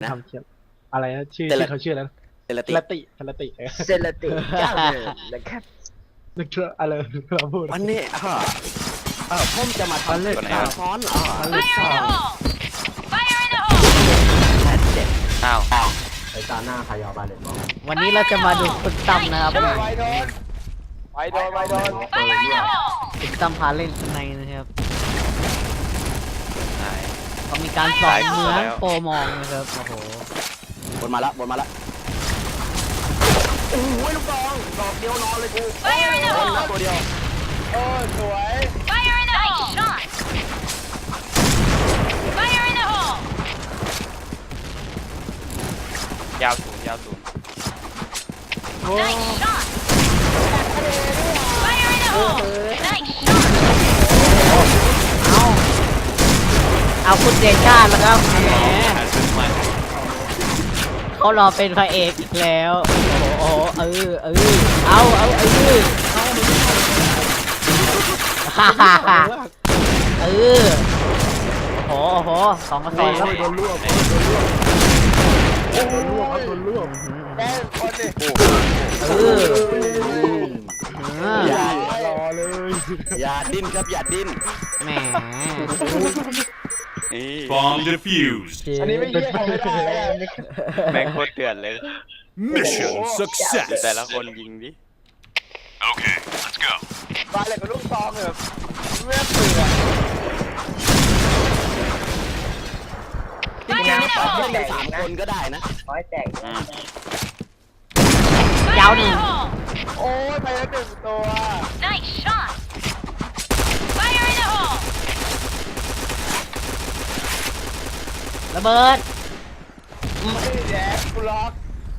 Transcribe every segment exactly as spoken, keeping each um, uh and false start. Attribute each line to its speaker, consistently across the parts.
Speaker 1: ทำเขียนอะไรนะชื่อชื่อเขาชื่อแล้ว
Speaker 2: เซลติ
Speaker 1: เซลติเซลติ
Speaker 3: เซเลติเจ้าเดิมนะครับ
Speaker 1: นึกถึงอะไรเราพูด
Speaker 2: วันนี้อ่ะเออผมจะมาทำเล่นซ้อนอ่ะ
Speaker 4: อ้าว
Speaker 3: ไอ้ตาหน้าใครเอาบาเลนบอก
Speaker 5: วันนี้เราจะมาดูคุณตั้มนะครับ
Speaker 6: ไปโดนไปโดนไปโดน
Speaker 5: คุณตั้มพาเล่นข้างในนะครับ
Speaker 4: ไหน
Speaker 5: เขามีการสอนเหมือนโปรมองนะครับโอ้โห
Speaker 2: บนมาละบนมาละโอ้ยลูกดองดอกเดียวนอนเลยกูบนละตัวเดียว
Speaker 6: โอ้สวย
Speaker 4: ยาวสูงยาวสูง
Speaker 5: เอาเอาคุณเดชาแล้วครับแหม
Speaker 4: หาซื้อมา
Speaker 5: เขารอเป็นพระเอกอีกแล้วโอ้โหเออเออเอาเอาเออฮ่าฮ่าฮ่าเออโอ้โหโอ้โหสองกระสอบแล้ว
Speaker 1: โดนลวกโดนลวกครับโดนลวก
Speaker 6: แม่คนนี่
Speaker 5: เออเออ
Speaker 2: อย่าร
Speaker 1: อเลย
Speaker 2: อย่าดิ้นครับอย่าดิ้น
Speaker 5: แหม
Speaker 4: นี่
Speaker 7: Bomb defused.
Speaker 6: อันนี้ไม่เยี่ยมไม่ได้
Speaker 4: แม่งโคตรเดือดเลย
Speaker 7: Mission
Speaker 4: ดู
Speaker 7: success.
Speaker 4: แต่ละคนยิงดิ
Speaker 7: Okay, let's go.
Speaker 6: บาเลยกับลูกซองแบบเมื่อเปลือก
Speaker 2: จริงๆปรับเล่นกันสามคนก็ได้นะ
Speaker 3: ร้อยแตก
Speaker 4: อืม
Speaker 5: ยาวหนึ่ง
Speaker 6: โอ้ยไปแล้วหนึ่งตัว
Speaker 5: ระเบิด
Speaker 6: ไม่แย่กูล็อก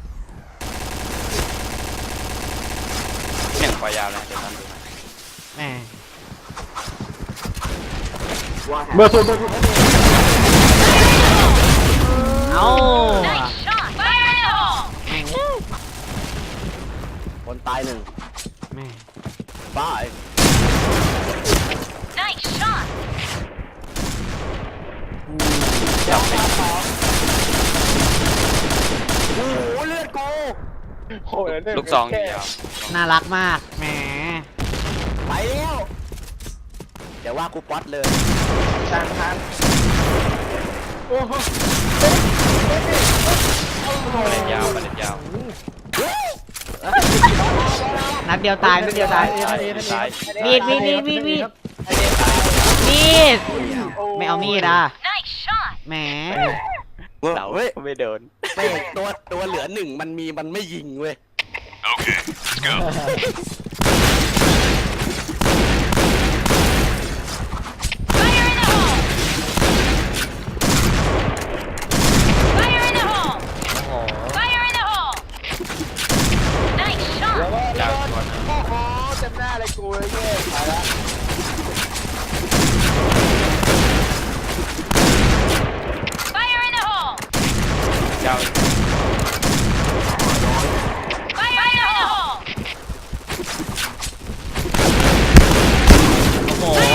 Speaker 4: เสียงปล่อยยาวนะเดี๋ยวทำดูนะ
Speaker 5: แหม
Speaker 3: ว่า
Speaker 1: เบอร์สุดเบอร์สุด
Speaker 5: เอา
Speaker 2: คนตายหนึ่ง
Speaker 5: แหม
Speaker 2: บ้าไอ้จับไปโอ้โหเลือดกู
Speaker 6: โอ้ยหนึ่ง
Speaker 4: ลูกซองยิงยาว
Speaker 5: น่ารักมากแหม
Speaker 2: ไปแล้วเดี๋ยวว่ากูป๊อตเลย
Speaker 6: ทางทาง
Speaker 4: มาเล่นยาวมาเล่นยาว
Speaker 5: นัดเดียวตายนัดเดียวตาย
Speaker 4: ตายตาย
Speaker 5: มีดมีดมีดมีดมีดมีดไม่เอามีดอ่ะแหม
Speaker 4: เราไม่โดน
Speaker 2: ไม่ตัวตัวเหลือหนึ่งมันมีมันไม่ยิงเว้ย
Speaker 7: Okay, let's go.
Speaker 5: โอ้โห
Speaker 6: แล้วก็
Speaker 4: ยาวตัวนึง
Speaker 6: โอ้โหเต็มหน้าเลยกูเลยเนี่ยไปละ
Speaker 4: ยาว
Speaker 5: โอ้โห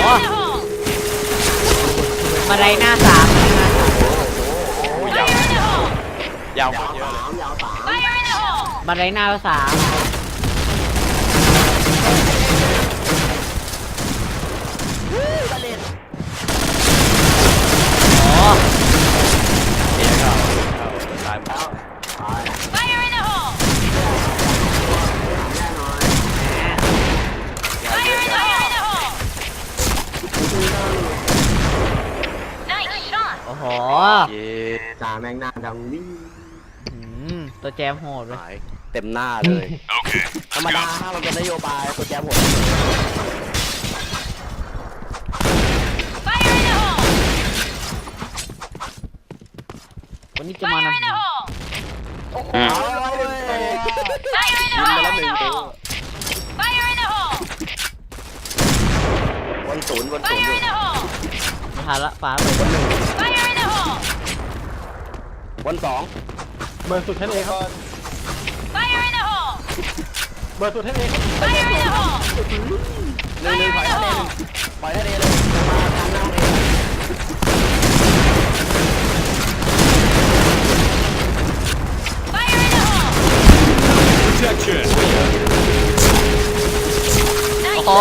Speaker 5: มาไดหน้าสามเลยนะ
Speaker 4: โอ้ยาวยาวโคตรเยอะเลย
Speaker 3: ยาวสาม
Speaker 5: มาไดหน้าสามโอ้
Speaker 4: เดี๋ยวเข้าเข้าตายหมด
Speaker 3: แน่นอน
Speaker 5: โอ้โห
Speaker 4: เย้
Speaker 3: จ่าแมงหน้าดังวิ่ง
Speaker 5: อืมตัวแจมโหดเลย
Speaker 2: หายเต็มหน้าเลย
Speaker 7: Okay,
Speaker 2: ธรรม
Speaker 7: let's
Speaker 2: ดา
Speaker 7: go.
Speaker 2: ถ้ามันเป็นนโยบายตัวแจมหมด
Speaker 5: วันนี้จะมานำ
Speaker 4: อืม
Speaker 2: เอาเลยยิงไปแล้วหนึ่งตัววันศูนย์วันศูนย์อยู่
Speaker 5: มาทานละฟ้าไป
Speaker 2: วันหนึ่งวันสอง
Speaker 1: เบอร์สุดท่านเองครับเบอร์สุดท่านเองครับ
Speaker 2: หนึ่งหนึ่งถอยทะเลหนึ่งปล่อยทะเลเลยมาทางหน้าเอง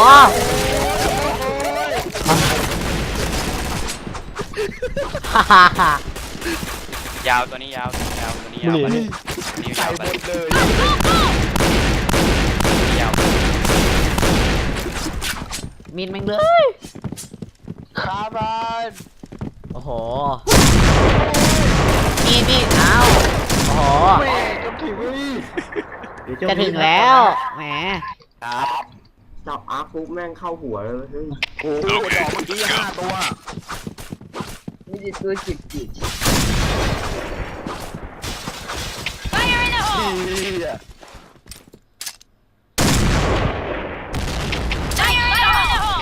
Speaker 5: ฮ่าฮ่าฮ่าย
Speaker 4: าวตัวนี้ยาวตัวนี้ยาวตัวนี้ยาวไปนี่ยาวไปยาว
Speaker 5: มินแม่งเลย
Speaker 6: คาบัน
Speaker 5: โอ้โหมีดมีดเอาโอ้โห
Speaker 6: เว้ยจะถึงเว้ย
Speaker 5: จะถึงแล้วแหม
Speaker 2: ครับ
Speaker 3: จับอาร์คปุ๊บแม่งเข้าหัวเลยเฮ้ย
Speaker 2: โอ้โหดอกเมื่อกี้ห้าตัว
Speaker 6: มีกี่ตัวจิกจิก
Speaker 8: Fire in the
Speaker 2: เฮี
Speaker 8: hole!
Speaker 2: ย
Speaker 8: Fire in the hole!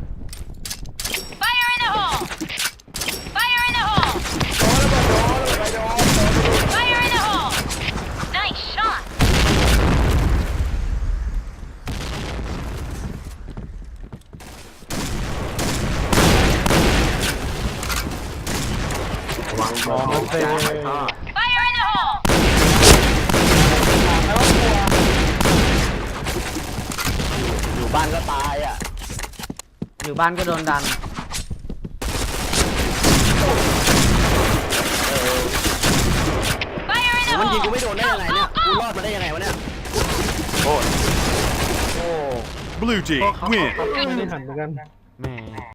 Speaker 8: Fire in the hole! Fire in the hole!
Speaker 6: โดนแล้วโดนแล้วโดน
Speaker 8: Fire in the hole! Nice shot!
Speaker 3: ระวังบอลมันเตะ
Speaker 8: Fire in the hole!
Speaker 2: อยู่บ้านก็ตายอ่ะ
Speaker 5: อยู่บ้านก็โดนดัน
Speaker 8: Fire in the
Speaker 2: มันยิง
Speaker 8: hole!
Speaker 2: กูไม่โดนได้ยังไงเนี่ยกูรอดมาได้ยังไงวะเนี่ย
Speaker 4: โอ้
Speaker 2: โอ้
Speaker 7: Blue team win.
Speaker 1: ไม่ได้หันเหมือนกัน
Speaker 5: แหม